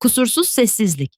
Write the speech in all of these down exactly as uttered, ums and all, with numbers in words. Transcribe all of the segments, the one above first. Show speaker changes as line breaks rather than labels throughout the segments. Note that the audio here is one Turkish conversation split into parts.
Kusursuz sessizlik.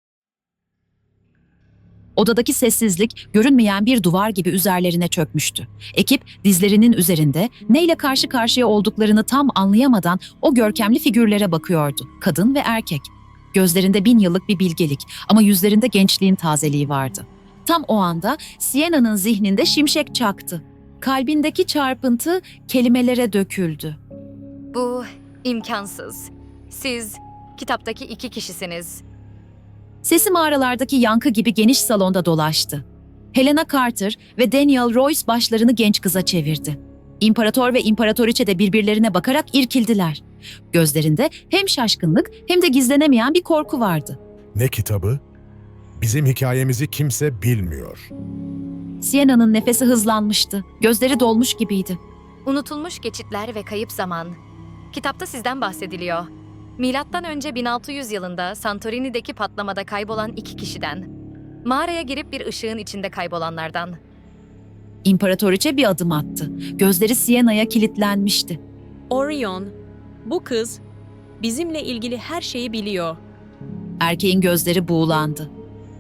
Odadaki sessizlik görünmeyen bir duvar gibi üzerlerine çökmüştü. Ekip dizlerinin üzerinde neyle karşı karşıya olduklarını tam anlayamadan o görkemli figürlere bakıyordu. Kadın ve erkek. Gözlerinde bin yıllık bir bilgelik ama yüzlerinde gençliğin tazeliği vardı. Tam o anda Sienna'nın zihninde şimşek çaktı. Kalbindeki çarpıntı kelimelere döküldü.
Bu imkansız. Siz kitaptaki iki kişisiniz.
Sesi mağaralardaki yankı gibi geniş salonda dolaştı. Helena Carter ve Daniel Royce başlarını genç kıza çevirdi. İmparator ve imparatoriçe de birbirlerine bakarak irkildiler. Gözlerinde hem şaşkınlık hem de gizlenemeyen bir korku vardı.
Ne kitabı? Bizim hikayemizi kimse bilmiyor.
Sienna'nın nefesi hızlanmıştı. Gözleri dolmuş gibiydi.
Unutulmuş geçitler ve kayıp zaman. Kitapta sizden bahsediliyor. Milattan önce bin altı yüz yılında Santorini'deki patlamada kaybolan iki kişiden. Mağaraya girip bir ışığın içinde kaybolanlardan.
İmparatoriçe bir adım attı. Gözleri Sienna'ya kilitlenmişti.
Orion, bu kız bizimle ilgili her şeyi biliyor.
Erkeğin gözleri buğulandı.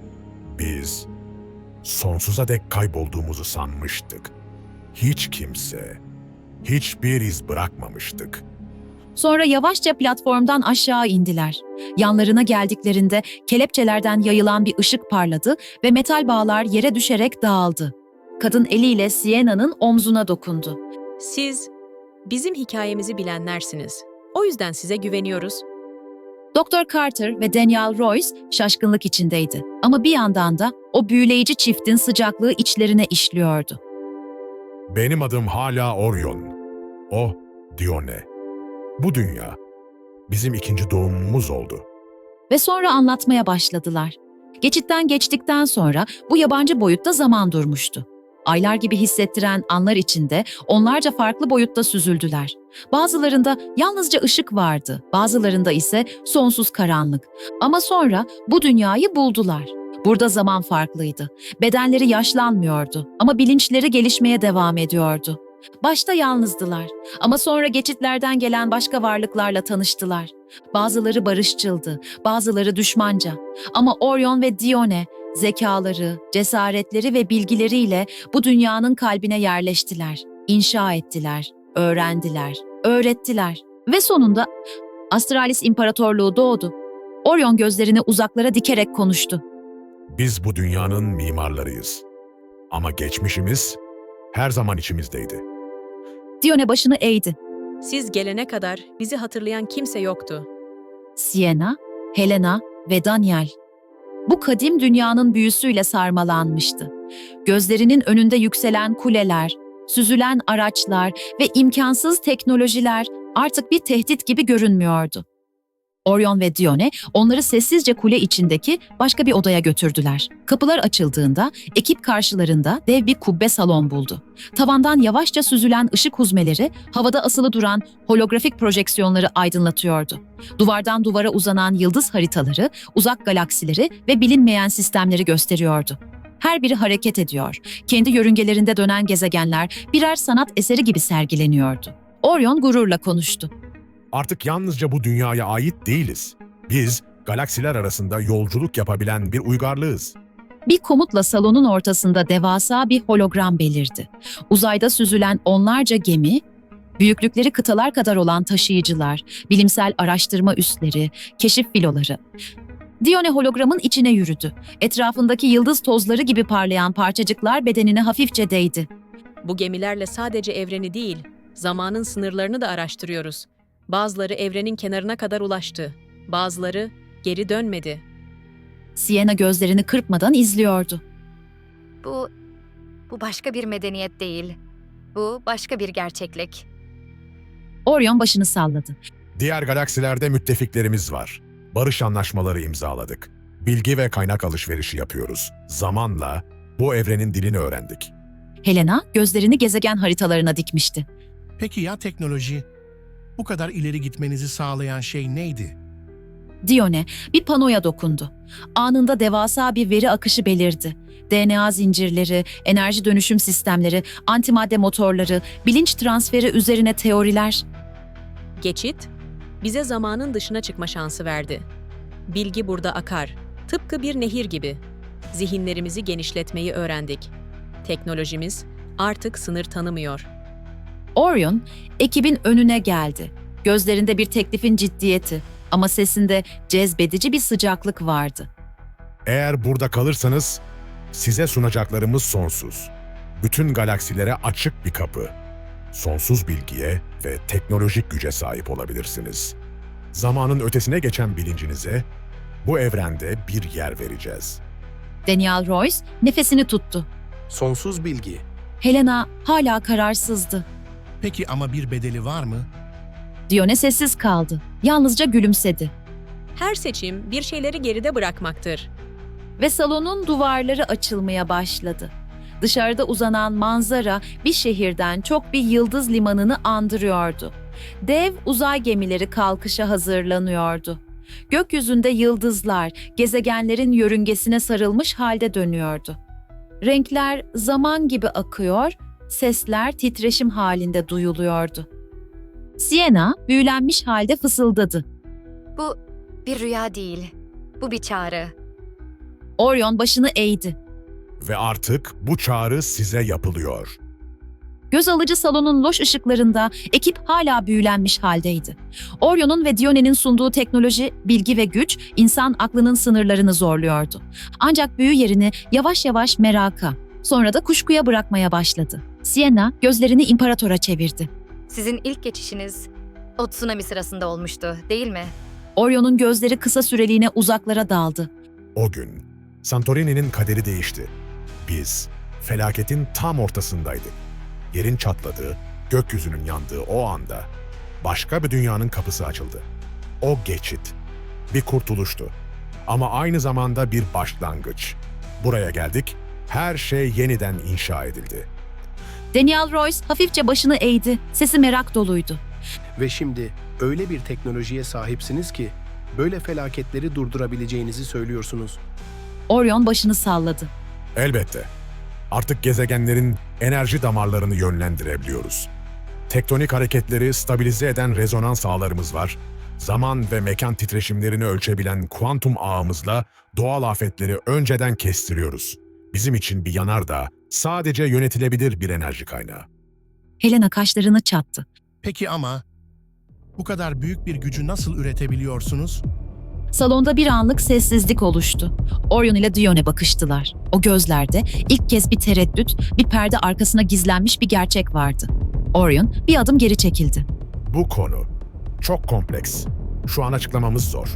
Biz sonsuza dek kaybolduğumuzu sanmıştık. Hiç kimse, hiçbir iz bırakmamıştık.
Sonra yavaşça platformdan aşağı indiler. Yanlarına geldiklerinde kelepçelerden yayılan bir ışık parladı ve metal bağlar yere düşerek dağıldı. Kadın eliyle Sienna'nın omzuna dokundu.
Siz bizim hikayemizi bilenlersiniz. O yüzden size güveniyoruz.
Doktor Carter ve Daniel Royce şaşkınlık içindeydi. Ama bir yandan da o büyüleyici çiftin sıcaklığı içlerine işliyordu.
Benim adım hala Orion. O Dione. Bu dünya bizim ikinci doğumumuz oldu.
Ve sonra anlatmaya başladılar. Geçitten geçtikten sonra bu yabancı boyutta zaman durmuştu. Aylar gibi hissettiren anlar içinde onlarca farklı boyutta süzüldüler. Bazılarında yalnızca ışık vardı, bazılarında ise sonsuz karanlık. Ama sonra bu dünyayı buldular. Burada zaman farklıydı. Bedenleri yaşlanmıyordu ama bilinçleri gelişmeye devam ediyordu. Başta yalnızdılar ama sonra geçitlerden gelen başka varlıklarla tanıştılar. Bazıları barışçıldı, bazıları düşmanca. Ama Orion ve Dione zekaları, cesaretleri ve bilgileriyle bu dünyanın kalbine yerleştiler, inşa ettiler, öğrendiler, öğrettiler. Ve sonunda Astralis İmparatorluğu doğdu. Orion gözlerini uzaklara dikerek konuştu.
Biz bu dünyanın mimarlarıyız. Ama geçmişimiz her zaman içimizdeydi.
Dione başını eğdi.
Siz gelene kadar bizi hatırlayan kimse yoktu.
Sienna, Helena ve Daniel. Bu kadim dünyanın büyüsüyle sarmalanmıştı. Gözlerinin önünde yükselen kuleler, süzülen araçlar ve imkansız teknolojiler artık bir tehdit gibi görünmüyordu. Orion ve Dione onları sessizce kule içindeki başka bir odaya götürdüler. Kapılar açıldığında ekip karşılarında dev bir kubbe salon buldu. Tavandan yavaşça süzülen ışık huzmeleri havada asılı duran holografik projeksiyonları aydınlatıyordu. Duvardan duvara uzanan yıldız haritaları, uzak galaksileri ve bilinmeyen sistemleri gösteriyordu. Her biri hareket ediyor. Kendi yörüngelerinde dönen gezegenler birer sanat eseri gibi sergileniyordu. Orion gururla konuştu.
Artık yalnızca bu dünyaya ait değiliz. Biz galaksiler arasında yolculuk yapabilen bir uygarlığız.
Bir komutla salonun ortasında devasa bir hologram belirdi. Uzayda süzülen onlarca gemi, büyüklükleri kıtalar kadar olan taşıyıcılar, bilimsel araştırma üsleri, keşif filoları. Dione hologramın içine yürüdü. Etrafındaki yıldız tozları gibi parlayan parçacıklar bedenine hafifçe değdi.
Bu gemilerle sadece evreni değil, zamanın sınırlarını da araştırıyoruz. Bazıları evrenin kenarına kadar ulaştı. Bazıları geri dönmedi.
Sienna gözlerini kırpmadan izliyordu.
Bu, bu başka bir medeniyet değil. Bu başka bir gerçeklik.
Orion başını salladı.
Diğer galaksilerde müttefiklerimiz var. Barış anlaşmaları imzaladık. Bilgi ve kaynak alışverişi yapıyoruz. Zamanla bu evrenin dilini öğrendik.
Helena gözlerini gezegen haritalarına dikmişti.
Peki ya teknoloji? Bu kadar ileri gitmenizi sağlayan şey neydi?
Dione bir panoya dokundu. Anında devasa bir veri akışı belirdi. D N A zincirleri, enerji dönüşüm sistemleri, antimadde motorları, bilinç transferi üzerine teoriler.
Geçit, bize zamanın dışına çıkma şansı verdi. Bilgi burada akar. Tıpkı bir nehir gibi. Zihinlerimizi genişletmeyi öğrendik. Teknolojimiz artık sınır tanımıyor.
Orion, ekibin önüne geldi. Gözlerinde bir teklifin ciddiyeti ama sesinde cezbedici bir sıcaklık vardı.
Eğer burada kalırsanız size sunacaklarımız sonsuz. Bütün galaksilere açık bir kapı. Sonsuz bilgiye ve teknolojik güce sahip olabilirsiniz. Zamanın ötesine geçen bilincinize bu evrende bir yer vereceğiz.
Daniel Royce nefesini tuttu.
Sonsuz bilgi.
Helena hala kararsızdı.
Peki ama bir bedeli var mı?
Dione sessiz kaldı. Yalnızca gülümsedi.
Her seçim bir şeyleri geride bırakmaktır.
Ve salonun duvarları açılmaya başladı. Dışarıda uzanan manzara bir şehirden çok bir yıldız limanını andırıyordu. Dev uzay gemileri kalkışa hazırlanıyordu. Gökyüzünde yıldızlar gezegenlerin yörüngesine sarılmış halde dönüyordu. Renkler zaman gibi akıyor, sesler titreşim halinde duyuluyordu. Sienna büyülenmiş halde fısıldadı.
Bu bir rüya değil. Bu bir çağrı.
Orion başını eğdi.
Ve artık bu çağrı size yapılıyor.
Göz alıcı salonun loş ışıklarında ekip hala büyülenmiş haldeydi. Orion'un ve Dione'nin sunduğu teknoloji, bilgi ve güç insan aklının sınırlarını zorluyordu. Ancak büyü yerini yavaş yavaş meraka, sonra da kuşkuya bırakmaya başladı. Sienna gözlerini imparatora çevirdi.
Sizin ilk geçişiniz o tsunami sırasında olmuştu, değil mi?
Orion'un gözleri kısa süreliğine uzaklara daldı.
O gün Santorini'nin kaderi değişti. Biz felaketin tam ortasındaydık. Yerin çatladığı, gökyüzünün yandığı o anda başka bir dünyanın kapısı açıldı. O geçit bir kurtuluştu ama aynı zamanda bir başlangıç. Buraya geldik, her şey yeniden inşa edildi.
Daniel Royce hafifçe başını eğdi, sesi merak doluydu.
Ve şimdi öyle bir teknolojiye sahipsiniz ki böyle felaketleri durdurabileceğinizi söylüyorsunuz.
Orion başını salladı.
Elbette. Artık gezegenlerin enerji damarlarını yönlendirebiliyoruz. Tektonik hareketleri stabilize eden rezonans ağlarımız var. Zaman ve mekan titreşimlerini ölçebilen kuantum ağımızla doğal afetleri önceden kestiriyoruz. Bizim için bir yanardağ sadece yönetilebilir bir enerji kaynağı.
Helena kaşlarını çattı.
Peki ama bu kadar büyük bir gücü nasıl üretebiliyorsunuz?
Salonda bir anlık sessizlik oluştu. Orion ile Dione bakıştılar. O gözlerde ilk kez bir tereddüt, bir perde arkasına gizlenmiş bir gerçek vardı. Orion bir adım geri çekildi.
Bu konu çok kompleks. Şu an açıklamamız zor.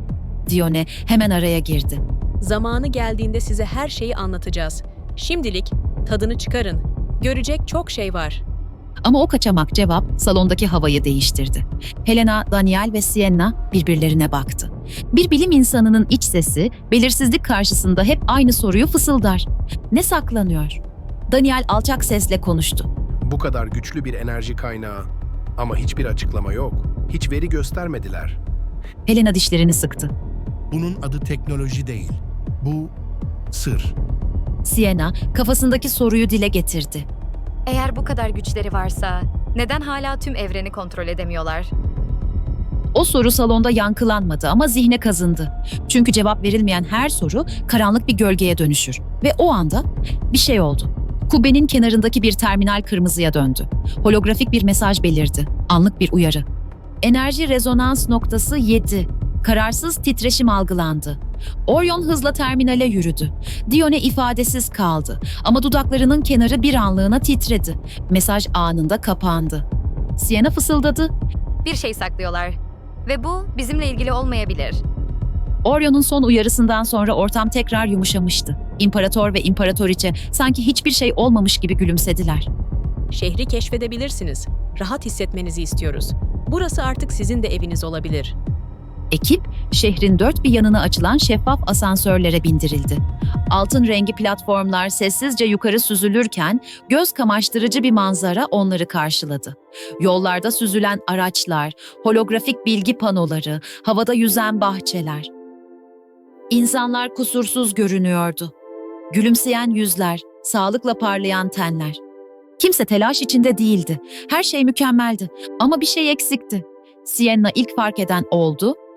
Dione hemen araya girdi.
Zamanı geldiğinde size her şeyi anlatacağız. Şimdilik tadını çıkarın. Görecek çok şey var.
Ama o kaçamak cevap salondaki havayı değiştirdi. Helena, Daniel ve Sienna birbirlerine baktı. Bir bilim insanının iç sesi, belirsizlik karşısında hep aynı soruyu fısıldar. Ne saklanıyor? Daniel alçak sesle konuştu.
Bu kadar güçlü bir enerji kaynağı ama hiçbir açıklama yok. Hiç veri göstermediler.
Helena dişlerini sıktı.
Bunun adı teknoloji değil. Bu sır.
Sienna kafasındaki soruyu dile getirdi.
Eğer bu kadar güçleri varsa neden hala tüm evreni kontrol edemiyorlar?
O soru salonda yankılanmadı ama zihne kazındı. Çünkü cevap verilmeyen her soru karanlık bir gölgeye dönüşür. Ve o anda bir şey oldu. Kubbenin kenarındaki bir terminal kırmızıya döndü. Holografik bir mesaj belirdi. Anlık bir uyarı. Enerji rezonans noktası yedi. Kararsız titreşim algılandı. Orion hızla terminale yürüdü. Dione ifadesiz kaldı ama dudaklarının kenarı bir anlığına titredi. Mesaj anında kapandı. Sienna fısıldadı.
Bir şey saklıyorlar ve bu bizimle ilgili olmayabilir.
Orion'un son uyarısından sonra ortam tekrar yumuşamıştı. İmparator ve imparatoriçe sanki hiçbir şey olmamış gibi gülümsediler.
Şehri keşfedebilirsiniz. Rahat hissetmenizi istiyoruz. Burası artık sizin de eviniz olabilir.
Ekip, şehrin dört bir yanına açılan şeffaf asansörlere bindirildi. Altın rengi platformlar sessizce yukarı süzülürken göz kamaştırıcı bir manzara onları karşıladı. Yollarda süzülen araçlar, holografik bilgi panoları, havada yüzen bahçeler. İnsanlar kusursuz görünüyordu. Gülümseyen yüzler, sağlıkla parlayan tenler. Kimse telaş içinde değildi. Her şey mükemmeldi ama bir şey eksikti. Sienna ilk fark eden oldu.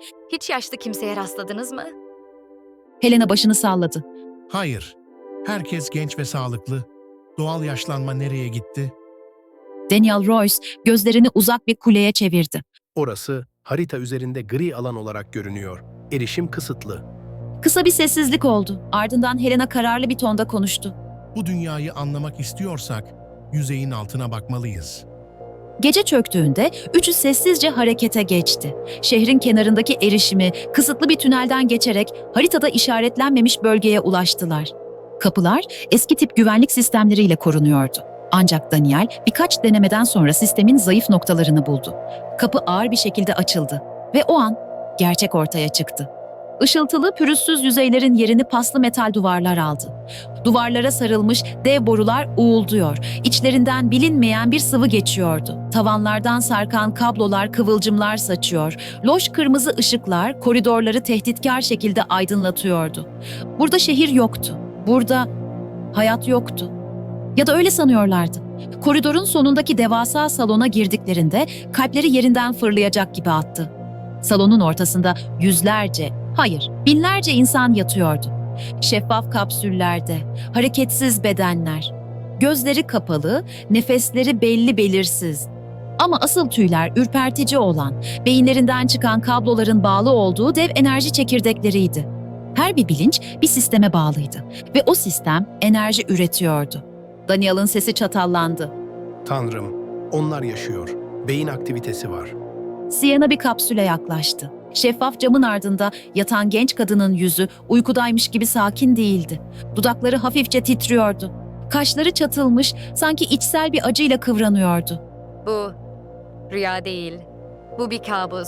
Hiç yaşlı kimseye rastladınız mı?
Helena başını salladı.
Hayır. Herkes genç ve sağlıklı. Doğal yaşlanma nereye gitti?
Daniel Royce gözlerini uzak bir kuleye çevirdi.
Orası harita üzerinde gri alan olarak görünüyor. Erişim kısıtlı.
Kısa bir sessizlik oldu. Ardından Helena kararlı bir tonda konuştu.
Bu dünyayı anlamak istiyorsak yüzeyin altına bakmalıyız.
Gece çöktüğünde üçü sessizce harekete geçti. Şehrin kenarındaki erişimi kısıtlı bir tünelden geçerek haritada işaretlenmemiş bölgeye ulaştılar. Kapılar eski tip güvenlik sistemleriyle korunuyordu. Ancak Daniel birkaç denemeden sonra sistemin zayıf noktalarını buldu. Kapı ağır bir şekilde açıldı ve o an gerçek ortaya çıktı. Işıltılı, pürüzsüz yüzeylerin yerini paslı metal duvarlar aldı. Duvarlara sarılmış dev borular uğulduyor. İçlerinden bilinmeyen bir sıvı geçiyordu. Tavanlardan sarkan kablolar kıvılcımlar saçıyor. Loş kırmızı ışıklar koridorları tehditkar şekilde aydınlatıyordu. Burada şehir yoktu. Burada hayat yoktu. Ya da öyle sanıyorlardı. Koridorun sonundaki devasa salona girdiklerinde kalpleri yerinden fırlayacak gibi attı. Salonun ortasında yüzlerce, hayır binlerce insan yatıyordu. Şeffaf kapsüllerde, hareketsiz bedenler. Gözleri kapalı, nefesleri belli belirsiz. Ama asıl tüyler ürpertici olan, beyinlerinden çıkan kabloların bağlı olduğu dev enerji çekirdekleriydi. Her bir bilinç bir sisteme bağlıydı ve o sistem enerji üretiyordu. Daniel'ın sesi çatallandı.
Tanrım, onlar yaşıyor. Beyin aktivitesi var.
Sienna bir kapsüle yaklaştı. Şeffaf camın ardında yatan genç kadının yüzü uykudaymış gibi sakin değildi. Dudakları hafifçe titriyordu. Kaşları çatılmış, sanki içsel bir acıyla kıvranıyordu.
Bu rüya değil. Bu bir kabus.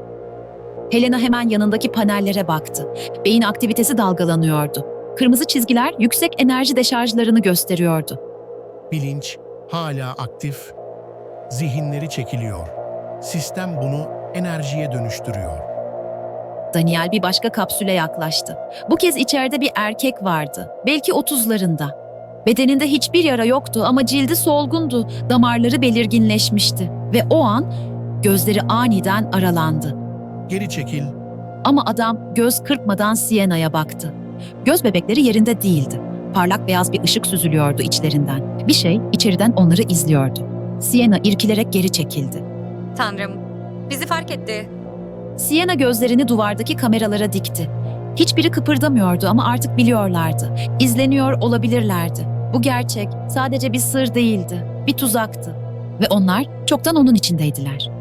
Helena hemen yanındaki panellere baktı. Beyin aktivitesi dalgalanıyordu. Kırmızı çizgiler yüksek enerji deşarjlarını gösteriyordu.
Bilinç hala aktif. Zihinleri çekiliyor. Sistem bunu enerjiye dönüştürüyor.
Daniel bir başka kapsüle yaklaştı. Bu kez içeride bir erkek vardı. Belki otuzlarında. Bedeninde hiçbir yara yoktu ama cildi solgundu, damarları belirginleşmişti. Ve o an gözleri aniden aralandı.
Geri çekil.
Ama adam göz kırpmadan Sienna'ya baktı. Göz bebekleri yerinde değildi. Parlak beyaz bir ışık süzülüyordu içlerinden. Bir şey içeriden onları izliyordu. Sienna irkilerek geri çekildi.
Tanrım, bizi fark etti.
Sienna gözlerini duvardaki kameralara dikti. Hiçbiri kıpırdamıyordu ama artık biliyorlardı. İzleniyor olabilirlerdi. Bu gerçek sadece bir sır değildi, bir tuzaktı. Ve onlar çoktan onun içindeydiler.